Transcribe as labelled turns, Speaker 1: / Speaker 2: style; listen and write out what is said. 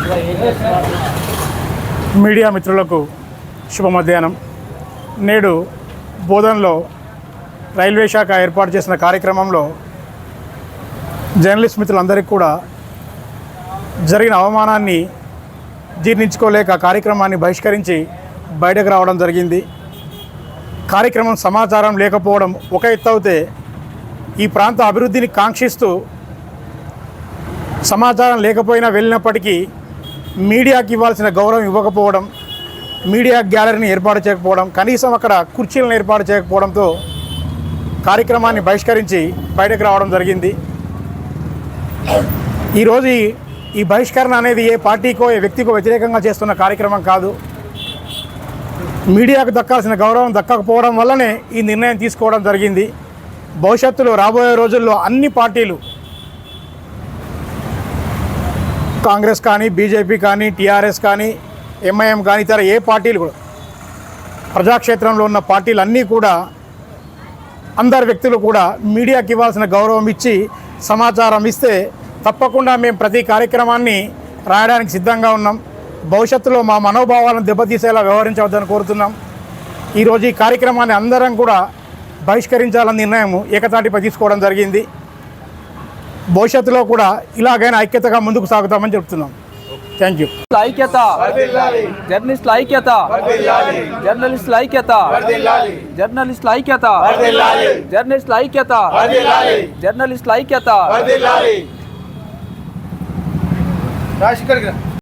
Speaker 1: Media మిత్రులకు శుభ మధ్యాహ్నం. నేడు బోధన్లో రైల్వే శాఖ ఏర్పాటు చేసిన కార్యక్రమంలో జర్నలిస్ట్ మిత్రులందరికీ కూడా జరిగిన అవమానాన్ని జీర్ణించుకోలేక కార్యక్రమాన్ని బహిష్కరించి బయటకు రావడం జరిగింది. కార్యక్రమం సమాచారం లేకపోవడం ఒక ఎత్తు అయితే, ఈ ప్రాంత అభివృద్ధిని కాంక్షిస్తూ సమాచారం లేకపోయినా వెళ్ళినప్పటికీ మీడియాకి ఇవ్వాల్సిన గౌరవం ఇవ్వకపోవడం, మీడియా గ్యాలరీని ఏర్పాటు చేయకపోవడం, కనీసం అక్కడ కుర్చీలను ఏర్పాటు చేయకపోవడంతో కార్యక్రమాన్ని బహిష్కరించి బయటకు రావడం జరిగింది. ఈరోజు ఈ బహిష్కరణ అనేది ఏ పార్టీకో ఏ వ్యక్తికో వ్యతిరేకంగా చేస్తున్న కార్యక్రమం కాదు. మీడియాకు దక్కాల్సిన గౌరవం దక్కకపోవడం వల్లనే ఈ నిర్ణయం తీసుకోవడం జరిగింది. భవిష్యత్తులో రాబోయే రోజుల్లో అన్ని పార్టీలు, కాంగ్రెస్ కానీ, బీజేపీ కానీ, టీఆర్ఎస్ కానీ, ఎంఐఎం కానీ, ఇతర ఏ పార్టీలు కూడా, ప్రజాక్షేత్రంలో ఉన్న పార్టీలు అన్నీ కూడా, అందరు వ్యక్తులు కూడా మీడియాకి ఇవ్వాల్సిన గౌరవం ఇచ్చి సమాచారం ఇస్తే తప్పకుండా మేము ప్రతి కార్యక్రమాన్ని రాయడానికి సిద్ధంగా ఉన్నాం. భవిష్యత్తులో మా మనోభావాలను దెబ్బతీసేలా వ్యవహరించవద్దని కోరుతున్నాం. ఈరోజు ఈ కార్యక్రమాన్ని అందరం కూడా బహిష్కరించాలన్న నిర్ణయం ఏకతాటిపై తీసుకోవడం జరిగింది. భవిష్యత్తులో కూడా ఇలాగైనా ఐక్యతగా ముందుకు సాగుతామని చెప్తున్నాం. Thank you.
Speaker 2: ఐక్యత, జర్నలిస్టుల ఐక్యత, జర్నలిస్టుల ఐక్యత, జర్నలిస్టుల ఐక్యత, జర్నలిస్టుల ఐక్యత, జర్నలిస్టుల ఐక్యత.